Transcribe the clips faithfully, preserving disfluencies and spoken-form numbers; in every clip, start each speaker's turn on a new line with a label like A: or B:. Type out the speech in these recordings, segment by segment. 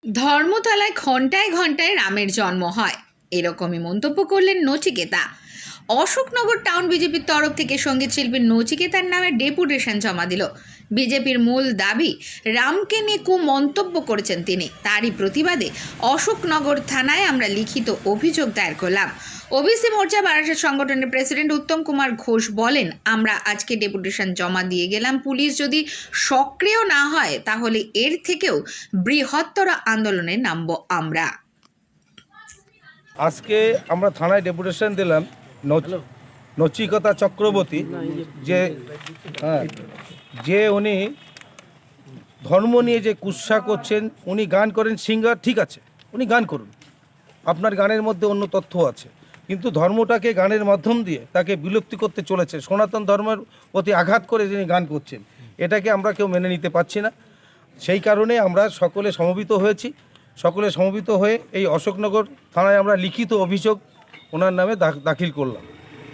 A: ধর্মতলায় ঘন্টায় ঘন্টায় রামের জন্ম হয়, এরকমই মন্তব্য করলেন নচিকেতা। অশোকনগর টাউন বিজেপির তরফ থেকে সঙ্গীত শিল্পী নচিকেতার নামে ডেপুটেশন জমা দিল। বিজেপির মূল দাবি, রামকে নিয়ে কু মন্তব্য করেছেন তিনি। তারই প্রতিবাদে অশোকনগর থানায় আমরা লিখিত অভিযোগ দায়ের করলাম। ওবিসি মোর্চা বারাসাত সংগঠনের প্রেসিডেন্ট উত্তম কুমার ঘোষ বলেন, আমরা আজকে ডেপুটেশন জমা দিয়ে গেলাম। পুলিশ যদি সক্রিয় না হয় তাহলে এর থেকেও বৃহত্তর আন্দোলনে নামব আমরা।
B: আজকে আমরা থানায় ডেপুটেশন দিলাম নচিকেতা চক্রবর্তী, যে হ্যাঁ যে উনি ধর্ম নিয়ে যে কুৎসা করছেন। উনি গান করেন, সিঙ্গার, ঠিক আছে, উনি গান করুন, আপনার গানের মধ্যে অন্য তথ্য আছে, কিন্তু ধর্মটাকে গানের মাধ্যম দিয়ে তাকে বিলুপ্তি করতে চলেছে। সনাতন ধর্মের প্রতি আঘাত করে যিনি গান করছেন, এটাকে আমরা কেউ মেনে নিতে পারছি না। সেই কারণে আমরা সকলে সমবেত হয়েছি। সকলে সমবেত হয়ে এই অশোকনগর থানায় আমরা লিখিত অভিযোগ ওনার নামে দাখিল করলাম।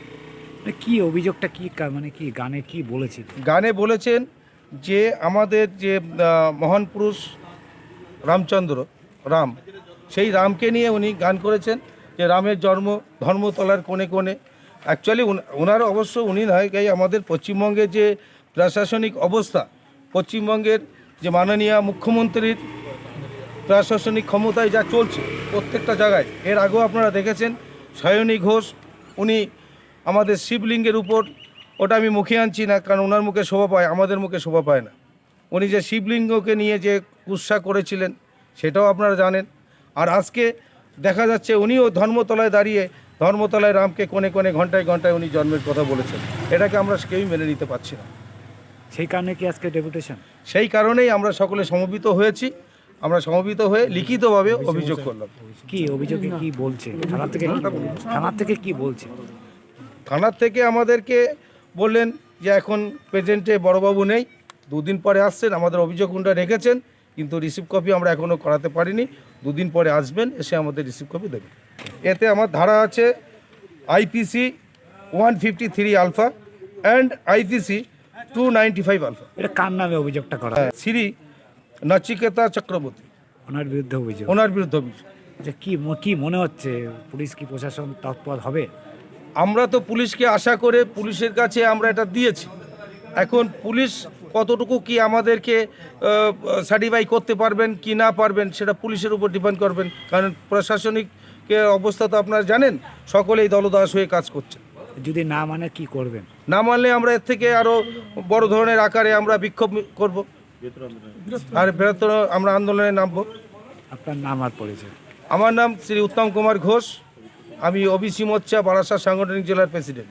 C: কি অভিযোগটা কি, মানে কি গানে কি বলেছেন?
B: গানে বলেছেন যে আমাদের যে মহান পুরুষ রামচন্দ্র রাম, সেই রামকে নিয়ে উনি গান করেছেন, যে রামের জন্ম ধর্মতলার কোণে কোণে। অ্যাকচুয়ালি ওনার অবশ্য উনি নয়, এই আমাদের পশ্চিমবঙ্গের যে প্রশাসনিক অবস্থা, পশ্চিমবঙ্গের যে মাননীয় মুখ্যমন্ত্রীর প্রশাসনিক ক্ষমতায় যা চলছে প্রত্যেকটা জায়গায়, এর আগেও আপনারা দেখেছেন সায়নী ঘোষ, উনি আমাদের শিবলিঙ্গের উপর, ওটা আমি মুখে আনছি না কারণ ওনার মুখে শোভা পায়, আমাদের মুখে শোভা পায় না, উনি যে শিবলিঙ্গকে নিয়ে যে কুৎসা করেছিলেন সেটাও আপনারা জানেন। আর আজকে দেখা যাচ্ছে উনিও ধর্মতলায় দাঁড়িয়ে ধর্মতলায় রামকে কোণে কোণে ঘন্টায় ঘন্টায় উনি জন্মের কথা বলেছেন। এটাকে আমরা কেউই মেনে নিতে পারছি না।
C: সেই কারণে কি আজকে ডেপুটেশন?
B: সেই কারণেই আমরা সকলে সমবেত হয়েছি। আমরা সমবেত হয়ে লিখিতভাবে অভিযোগ করলাম।
C: কি অভিযোগে কি বলছে থানা থেকে? থানা থেকে কি বলছে?
B: থানার থেকে আমাদেরকে বললেন যে এখন প্রেজেন্টে বড়বাবু নেই, দুদিন পরে আসছেন, আমাদের অভিযোগ উনটা রেখেছেন, কিন্তু রিসিভ কপি আমরা এখনও করাতে পারিনি। দুদিন পরে আসবেন, এসে আমাদের রিসিভ কপি দেবেন। এতে আমার ধারা আছে IPC one fifty three alpha and IPC two ninety five alpha.
C: এটা কার নামে অভিযোগটা করা?
B: শ্রী নচিকেতা চক্রবর্তী,
C: ওনার বিরুদ্ধে অভিযোগ।
B: ওনার বিরুদ্ধে অভিযোগ।
C: আচ্ছা, কি কি মনে হচ্ছে, পুলিশ কি প্রশাসন তৎপর হবে?
B: আমরা তো পুলিশকে আশা করে পুলিশের কাছে আমরা এটা দিয়েছি। এখন পুলিশ কতটুকু কি আমাদেরকে সার্টিফাই করতে পারবেন কি না পারবেন সেটা পুলিশের উপর ডিপেন্ড করবেন, কারণ প্রশাসনিক অবস্থা তো আপনারা জানেন, সকলেই দলদাস হয়ে কাজ করছে।
C: যদি না মানে কি করবেন?
B: না মানলে আমরা এর থেকে আরও বড় ধরনের আকারে আমরা বিক্ষোভ করব, আর বৃহত্তর আমরা আন্দোলনে নামব।
C: আপনার নাম আর পরিচয়? আমার
B: নাম শ্রী উত্তম কুমার ঘোষ, আমি ওবিসি মোর্চা বারাসাত সাংগঠনিক জেলার প্রেসিডেন্ট।